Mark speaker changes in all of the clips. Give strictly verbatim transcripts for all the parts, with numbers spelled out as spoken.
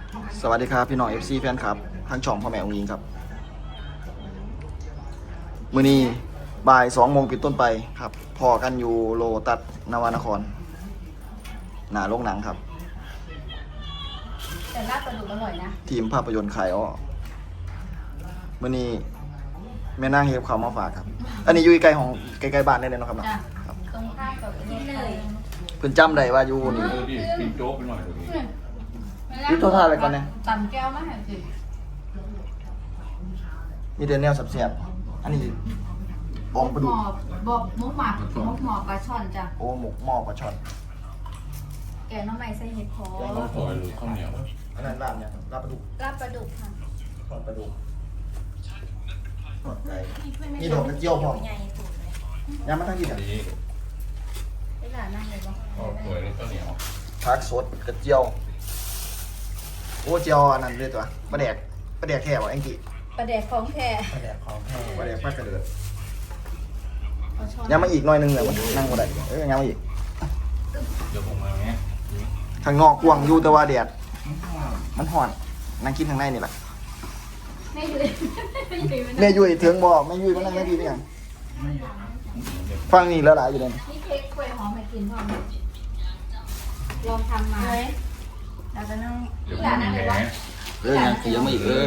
Speaker 1: สวัสดีครับพี่น้อง เอฟ ซี แฟนครับทางช่องพ่อแม่องค์ยิงครับมื้อนี้บ่ายสองโมงปิดต้นไปครับพอกันอยู่โลตัสนวนครหน้าโรงหนังครับ
Speaker 2: แต่ลาบปลาดุกอร่อยนะ
Speaker 1: ทีมภาพยนตร์ขายอ้อมื้อนี้แม่นางเฮฟเขามาฝากครับ อันนี้อยู่ใกล้ของใกล้ๆบ้านได้เลยเนาะครับเนาะ
Speaker 2: จ้ะ
Speaker 1: ครับ
Speaker 2: ตรงข้ามกับนี่เลย
Speaker 1: เพิ่นจำได้ว่าอยู่นี่
Speaker 3: เออดิกินโจ๊กไปหน่อยเดี๋ยวนี้
Speaker 1: นี่โทรทัศน์อะไรก่อนเนี่ย
Speaker 2: ตำแก้วมาให้สิ
Speaker 1: มีแต่แนวแซ่บๆอันนี้บองปลา
Speaker 2: หม
Speaker 1: ดุก
Speaker 2: อบบอกมุกหมักมุกหมอบปลาช่อนจ้ะ
Speaker 1: โอ้หมกหม้อปลาช่อน
Speaker 2: แกงน้ำใหม่ใส่เห็ดโคน
Speaker 3: ข้าวซอยหรือข้าวเหนียว
Speaker 1: อันนั้นลาบเนี่ยลาบปลาดุก
Speaker 2: ลาบปลาดุกค่ะ
Speaker 1: ทอดปลาดุกทอดไก่มีดอกกระเจียวพร้อมยำมาทั้งที่
Speaker 3: อั
Speaker 1: เนี่ย
Speaker 3: นนี้
Speaker 2: ได้หลานนั่งเลยปะ
Speaker 3: ข้าวสวยนี่ข้าวเหนียว
Speaker 1: ผักสดกระเจียวโอ้เจียวอันนั้นเลยตัวปลาแดกปลาแดกแค่วะแองกี้
Speaker 2: ปลาแดกของแท้
Speaker 1: ปลาแดกของแท้ปลาแดกปลากระเดือด
Speaker 2: ปลาช่อน
Speaker 1: ยำมาอีกหน่อยหนึงเลยมันนั่งบ่ได้เอ้ยยำมาอีก
Speaker 3: เดี๋ยวผมมาไหม
Speaker 1: ข้างนอกกว้างอยู่แต่ว่าแดดมันห่อนนั่งกินข้างในนี่แหละ
Speaker 2: ไม่อยู่ไม่อยู่
Speaker 1: แม่ยุ้ยเถิงบ่แม่ยุ้ยมานั่งแม่พี่นี่ยังฟังนี่แล้วหลายอยู่เลย
Speaker 2: นี่เค้กกล้วยหอมให้กินพ่อมลองทำมาเราจะนั่ง
Speaker 3: เดี๋ยว
Speaker 2: หลานนั่ง
Speaker 3: แห
Speaker 2: เลยปะ
Speaker 1: เออยังเสียมาอีกเออ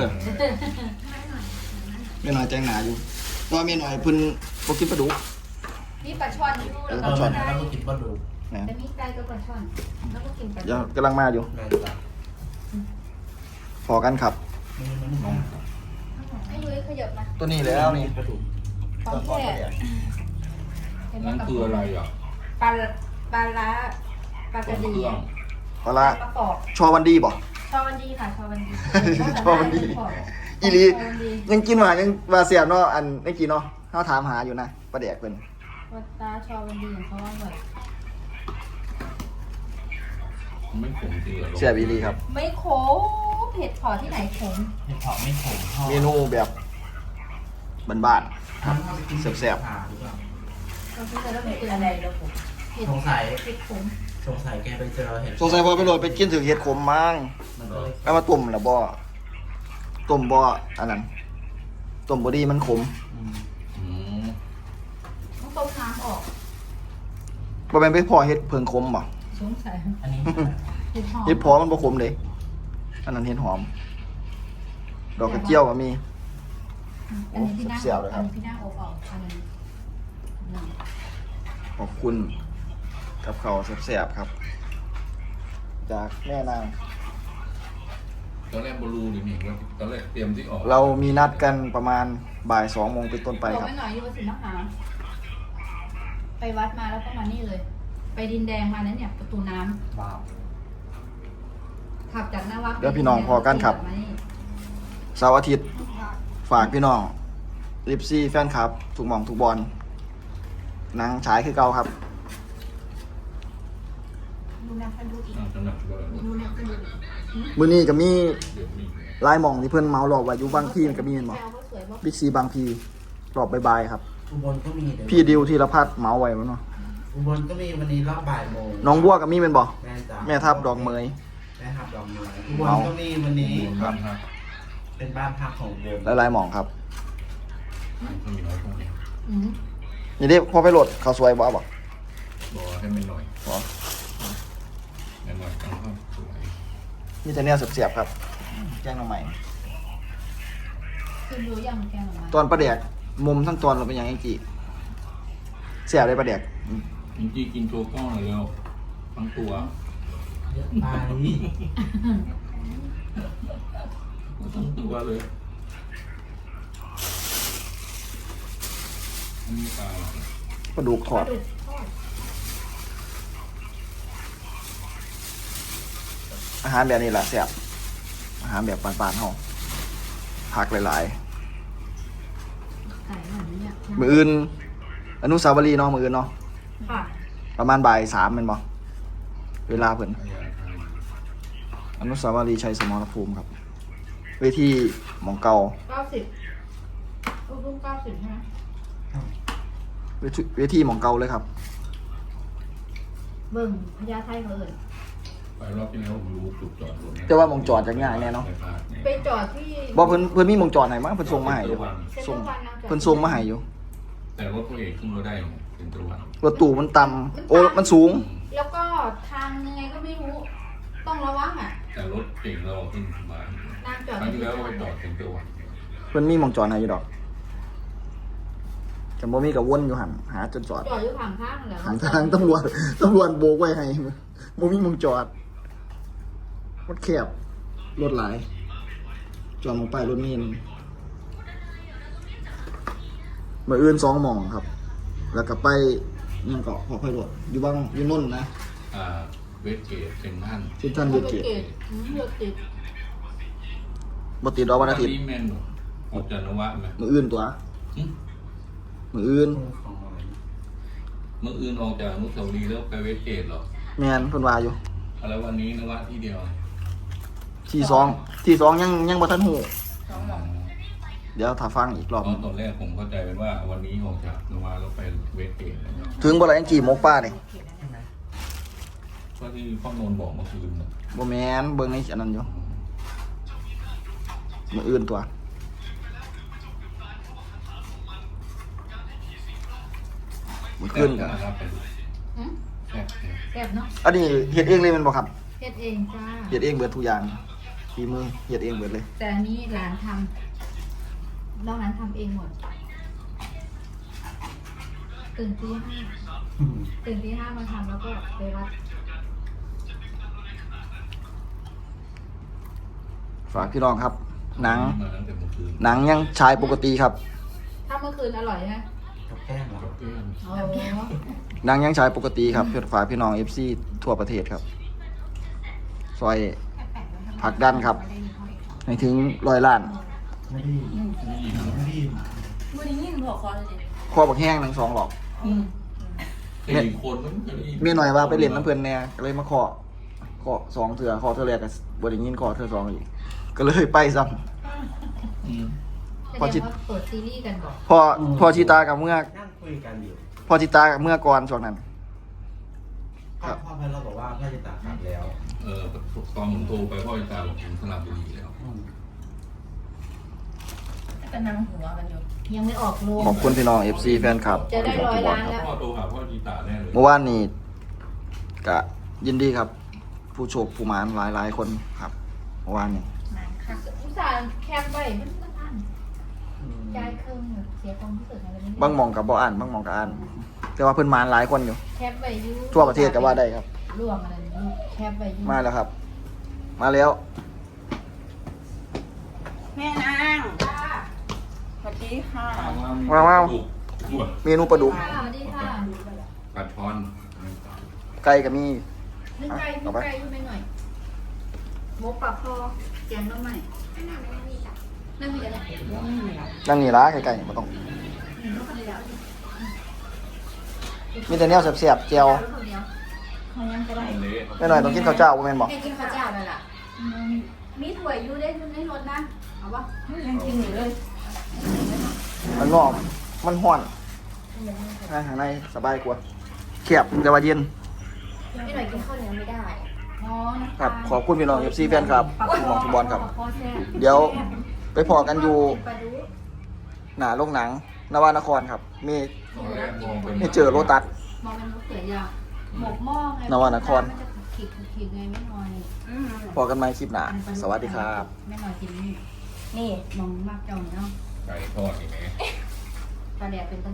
Speaker 1: แม่น้อยแจ้งหนาอยู่แตัวาแม่น้อยเพิ่นบ่กินปลาดุก
Speaker 2: นี่ปลาช่อนอยู่
Speaker 1: เออ
Speaker 2: แล้ว
Speaker 1: ปลาช่อน
Speaker 2: ก็
Speaker 4: แล้วก็กินปลาดุก
Speaker 1: นะ
Speaker 2: แต่มีไก่กับปลาช่อนแล้วก็กินปลา
Speaker 1: เดี๋ยวกำลังมาอยู่
Speaker 4: แม่จ้ะ
Speaker 1: พอกันครับ
Speaker 4: มันมันนม
Speaker 2: ไม่รู้ขยับมา
Speaker 1: ตัวนี้แล้วนี่
Speaker 4: ปลาดุก
Speaker 2: ของแท้เห็นไหม
Speaker 3: นั่น
Speaker 2: กับ
Speaker 3: คืออะไรอ่ะ
Speaker 2: ปลาปลาล้าปลากระดี
Speaker 3: เครื่อง
Speaker 1: ปลาละ
Speaker 2: ปลากรอบ
Speaker 1: ชอวันดีบ่
Speaker 2: ชอวันดีค่ะชอวันดี
Speaker 1: ชอวันดี อีหลียังกินหวานยังว่าเสียบเนาะอันเมื่อกี้เนาะเฮาถามหาอยู่นะปลาแดกเพิ่น
Speaker 2: วัดตาชอวันดีของเขาว่าแบบ
Speaker 3: ไม่ขมจริงเหรอ
Speaker 1: เสียบอีหลีครับ
Speaker 2: ไม่ขมเผ็ดพอที่ไหนขม
Speaker 4: เห็ดเผาะไม่ขมทอด
Speaker 1: เมนูแบบบ้านๆครับแซ่บ
Speaker 4: ผ่าหรือเปล่า
Speaker 2: เราคิดว่ามันเป็นอะไรแล้วผมเผ็ด
Speaker 4: สงสัย
Speaker 2: เผ็ดขม
Speaker 4: สงสัยแกไปเจอเห็ด
Speaker 1: ๆสงสัยพอไปโหลดไปกินถึงเห็ดขมมั้ง
Speaker 4: มันก็เลย
Speaker 1: แล้วมาต้มล่ะบ่ต้มบ่อันนั้นต้มบ่ดีมันขม
Speaker 4: อืม
Speaker 3: อืม
Speaker 2: ต้องต้มน้ำออก
Speaker 1: บ่แม่นไปพอเห็ดเพิงขมบ่
Speaker 2: สงสัย
Speaker 4: อันนี้
Speaker 2: เผ็ดหอม
Speaker 1: เห็ดพอมันบ่ขมเด้อันนั้นเห็ดหอม ดอกกระเจียวก็มี
Speaker 2: อันนี้พี่หน้า
Speaker 1: เสียวเลยครับ
Speaker 2: อันนี้พี่หน้าอบออกอันนี้
Speaker 1: ขอบคุณกับข้าวแซ่บๆครับ จากแม่นาง
Speaker 3: ตอนแรกบอลูหรือหนิว่าตอนแรกเตรียมที่ออก
Speaker 1: เรามีนัดกันประมาณบ่ายสองโมงเป็นต้นไป
Speaker 2: บอก
Speaker 1: ครับ
Speaker 2: ไม่หน่อยอยู่ว่าสินนะคะไปวัดมาแล้วก็มานี่เลย ไปดินแดงมานั้นเนี่ย ประตูน้ำ
Speaker 4: ว้าว
Speaker 2: ขับจากหน้าวัด
Speaker 1: เดี๋ยวพี่น้องพอกันครับ
Speaker 2: มานี่
Speaker 1: เสาร์อาทิตย์ฝากพี่น้องลิปซี่แฟนคลับถูกหมองถูกบอลหนังฉายคือเก่าครับ
Speaker 2: ดูนักกันดูอีก
Speaker 3: อ่าสำหรับว่า
Speaker 2: ดูนักกันดูอีก
Speaker 1: มื้อนี้ก็มี
Speaker 3: เดี๋ยวมี
Speaker 1: ลายหมองที่เพิ่นเมาหลอกไว้อยู่บางพีมันก็มีเห็นบ่
Speaker 2: แซวว่าสวยว่า
Speaker 1: บิ๊กซีบางพีรอบบ่ายๆครับ
Speaker 4: อุบลก็มีเดี๋ยว
Speaker 1: พี่ดิวธีรพัฒน์เมาไว้มั้งเนาะ
Speaker 4: อุบลก็มีวันนี้รอบบ่ายโมง
Speaker 1: น้องบัวก็มีเป็นบ่
Speaker 4: แม่จ้ะ
Speaker 1: แม่ทับดอกเมย
Speaker 4: แม่ทับดอกเมยอุบลก็มีวันนี้
Speaker 3: บ้านฮัก
Speaker 4: เป็นบ้านพักของอุบล
Speaker 1: และลายหมองครับ
Speaker 3: ข้าวเหนียวพวกนี้
Speaker 2: อืม
Speaker 1: นี่ดิพอไปโหลดข้าวสวยบ่บ่
Speaker 3: บอกให้มันหน่อย
Speaker 1: บ่
Speaker 3: หน่อยๆตั้งข้าวสวย
Speaker 1: มีแต่เนี่ยเสียบๆครับแจ้งน้องใหม่
Speaker 2: คือรู้ยังแกงออกมา
Speaker 1: ตอนประแดกมุมทั้งตอนเราเป็นยังไงกี่เสียบได้ประแดก
Speaker 3: จริงๆกินโจ๊กก้อนเลยแล้วทั้งตัว
Speaker 4: เยอะไป
Speaker 3: ทั้งตัวเลยอันนี้ปลาอะไร
Speaker 1: ปลาดุกทอด
Speaker 2: ดุกทอด
Speaker 1: อาหารแบบนี้แหละเสียบอาหารแบบปานๆเฮาผักหลาย
Speaker 2: ไก่แบบนี้เนี่ย
Speaker 1: ๆ มืออื่น อนุสาวรีย์เนาะมืออื่นเนาะ
Speaker 2: ค่ะ
Speaker 1: ประมาณบ่ายสามเป็นบ่เวลาเพิ่น
Speaker 3: อะไรอะไร
Speaker 1: อนุสาวรีย์ชัยสมรภูมิครับ เวทีหมองเก่า
Speaker 2: เก้าสิบลูกลูกเก้าสิบใช่ไหม
Speaker 1: เวทีเวทีหมองเก่าเลยครับ
Speaker 2: เบิ่งพญาไทเขาเอ่ย
Speaker 3: ไปรอบที่แล้วผมรู้จุดจอดรถ
Speaker 1: แต่ว่าหมองจอดจะง่ายแน่เนาะ
Speaker 2: ไปจอดที่
Speaker 1: บ่เพิ่นเพิ่นมีหมองจอดให้มั้งเพิ่นส่งมาให้อยู่
Speaker 2: เซ็นท
Speaker 1: ส่
Speaker 2: รั
Speaker 1: ง
Speaker 2: ลวันนะจอด
Speaker 1: เพิ่นส่งมาให้อยู่
Speaker 3: แต่รถตัวเองขึ้นมาได้เป็นตัววัน
Speaker 1: รถตู้มันต่ำโอ้มันสูง
Speaker 2: แล้วก็ทางยังไงก็ไม่รู้ ต้องระวังอ่ะ
Speaker 3: แต่รถเก่งเราขึ้นมา
Speaker 2: นั่งจอด
Speaker 3: ครั้งที่แล้วไปจอดเป็นตัววัน
Speaker 1: เพิ่นมีหมองจอดให้อยู่ดอกแต่บ่มีก็วนอยู่หั่นหาจนจอด
Speaker 2: จอดอยู่ข้างข้างเหรอ
Speaker 1: ทางทางตำรวจตำรวจโบกไว้ให้บ่มีหมองจอดรถแคบรถหลายจอดลงไปรถมีนมื้ออื่นสองหม่องครับ แล้วก็ไปยังเกาะพอค่อยรถอยู่บ้างอยู่นนท์นะ
Speaker 3: อ่าเวสเกตเซนทัน
Speaker 1: เส้นท่าน
Speaker 2: ร
Speaker 1: เว
Speaker 2: ถ
Speaker 1: ทเกต
Speaker 2: เกตอืมรถติด
Speaker 1: บ่ติดดอกวันอาทิตย์
Speaker 3: นี้แมนออกจากนวะไหม
Speaker 1: มื้ออื่นตัว
Speaker 3: หึ
Speaker 1: มื้ออื่น
Speaker 4: ของอะไร
Speaker 3: เมื่ออื่นออกจากอนุสาวรีย์แล้วไปเวสเกตเหรอ
Speaker 1: แม่นเพิ่นว่าอยู่
Speaker 3: แล้ววันนี้นวะที่เดียว
Speaker 1: ที่สองที่สองยังยังบ่ทันฮู้
Speaker 2: สองหม่อง
Speaker 1: เดี๋ยวถ้าฟังอีกรอบ
Speaker 3: ตอนตอนแรกผมเข้าใจเป็นว่าวันนี้ออกจากนวะแล้วไปเวสเกตนะครับ
Speaker 1: ถึงบ่ล่ะยังกี่หมกป้านี่
Speaker 4: ใช่ไหม
Speaker 3: ก็ที่พ่อนนท์บอกเมื่อคืนนะ
Speaker 1: บ่แม่นเบิ่งในอันนั้นอยู่มื้ออื่นตัวมื้อคืนก็
Speaker 3: นะครับเป็น
Speaker 2: หืม
Speaker 3: แซ่บแซ่บ
Speaker 2: แซ่บเนาะ
Speaker 1: อันนี้เฮ็ดเองเลยแม่นบ่ครับ
Speaker 2: เฮ็ดเองจ้า
Speaker 1: เฮ็ดเองเบิดทุกอย่างฝีมือเฮ็ดเองเบิดเลย
Speaker 2: แต่อันนี้หลานทำนอกนั้นทำเองหมด ตื่นตีห้าตื่นตีห้ามาทำแล้วก็ไปวัด
Speaker 1: ฝากพี่น้องครับ หนัง
Speaker 3: มาตั้งแต่เมื่อคืน
Speaker 1: หนังยังฉายปกติครับ
Speaker 2: ถ้าเมื่อคืนอร่อยนะ
Speaker 4: กับแก้มเหรอ
Speaker 3: กับเพื่อน
Speaker 2: โอ้
Speaker 1: หนังยังฉายปกติครับเพื่อฝากพี่น้อง เอฟ ซี ทั่วประเทศครับซอยผลักดันครับให้ถึงร้อยล้าน
Speaker 4: ไม่ได้ยินไม่ได้ยิน
Speaker 2: มือนี้ยินหัวคอเลยดิ
Speaker 1: ข้อบักแห้งทั้งสองหรอก
Speaker 2: อืม
Speaker 3: สี่คนมันจะได้
Speaker 1: เมียหน่อยว่าไปเล่นน้ำเพื่อนแน่ก็เลยมาขอขอสองเถื่อขอเถื่อแรกกับบริยินขอเถื่อสองอีกก็เลยไปซ้
Speaker 3: อืม
Speaker 1: พอจิ
Speaker 2: แสดงว่าเปิดซีรีส์กันบอก
Speaker 1: ำพอพอชิตากับเมื่อ
Speaker 4: นั่งคุยกันอยู่
Speaker 1: พอชิตากับเมื่อก่อนช่วงนั้น
Speaker 4: พ่อพ่อเพื่อนเราบอกว่าพ่อจะตัดขาดแล้ว
Speaker 3: เออตอนผมโทรไปพ่อจะตาบอกผมสลับบุรีแล้ว
Speaker 4: อืม
Speaker 5: ก็นั่งหัวกันอยู่
Speaker 2: ยังไม่ออกโรง
Speaker 1: ขอบคุณพี่น้อง เอฟ ซี แฟนคลับ
Speaker 2: จะได้ร้อยล้านแล้ว
Speaker 3: พ่อโทรหาพ่อจีตาแน่เลย
Speaker 1: เมื่อวานนี้ก็ยินดีครับ ผู้โชคผู้หมานหลายหลายๆคนครับเมื่อวานนี้
Speaker 2: อุตส่าห์แคบไว้มันมันอันใจายเครื่องแบบเสียความรู้สึกอะไรไม่ได้
Speaker 1: บางหมองกับบ่อ่านบางหมองกับอ่าน แต่ว่าเพิ่นหมานหลายคนอยู่
Speaker 2: แคบไว้อยู
Speaker 1: ทั่วประเทศก็ว่าได้ครับ
Speaker 2: ร่วมอะไรนี่แคบไว้อยู
Speaker 1: มาแล้วครับ มาแล้ว
Speaker 5: แม่นางสวัสดีค่ะ
Speaker 1: ว้าวว้าว
Speaker 3: ถูก
Speaker 1: เมนูปลาดุก
Speaker 2: ค่ะสวัสดีค่ะ
Speaker 3: ปลาช้อน
Speaker 1: ไก่ก็มี
Speaker 2: นึ่งไก่นึ่งไก่ขึ้นไปหน่อยหมูปลาคอแกงน้ำใหม่นั่นมีอะไร
Speaker 1: นั่งนี่ละไก่ๆมาต้อง มีแต่แนวแซ่บๆเจียว
Speaker 2: เขายังก็ได้
Speaker 3: เละ
Speaker 1: ไม่หน่อยต้องกินข้าวเจ้าบ่แม่นบอก
Speaker 2: ให้กินข้าวเจ้าเลยล่ะมีถั่วอยู่ได้ในรถนะเอาปะ
Speaker 5: ยังกินอยู่เลย
Speaker 1: มันนอกมันห้อนนะข้างในสบายกว่าแคบแต่ว่าเย็น
Speaker 2: ไม่หน่อยกินข้าวเหนียวไม่ได้อ๋อน้ำตาล
Speaker 1: ครับ ขอบคุณพี่น้อง เอฟ ซี แฟนครับทุกหมองทุกบอลครับ
Speaker 2: ปลาคอแซ่บ
Speaker 1: เดี๋ยวไปพอกันอยู่
Speaker 2: ปลาดุก
Speaker 1: หน้าโรงหนังนวานครครับ มี
Speaker 3: ตอนแรกมองเป็น
Speaker 1: ให้เจอโรตัส
Speaker 2: มองเป็นมะเขือยาวหมกหม้อไง
Speaker 1: นวานคร
Speaker 2: มันจะขีดขีดไงไม่น้อย
Speaker 5: อืม
Speaker 1: พอกันใหม่คลิปหน้า สวัสดีครับ
Speaker 2: ไม่น้อยกินนี่
Speaker 5: นี่
Speaker 2: มองมากเจ้าเนาะ
Speaker 3: ไก่ทอดอีกไหม
Speaker 2: ปลาแดดเป็น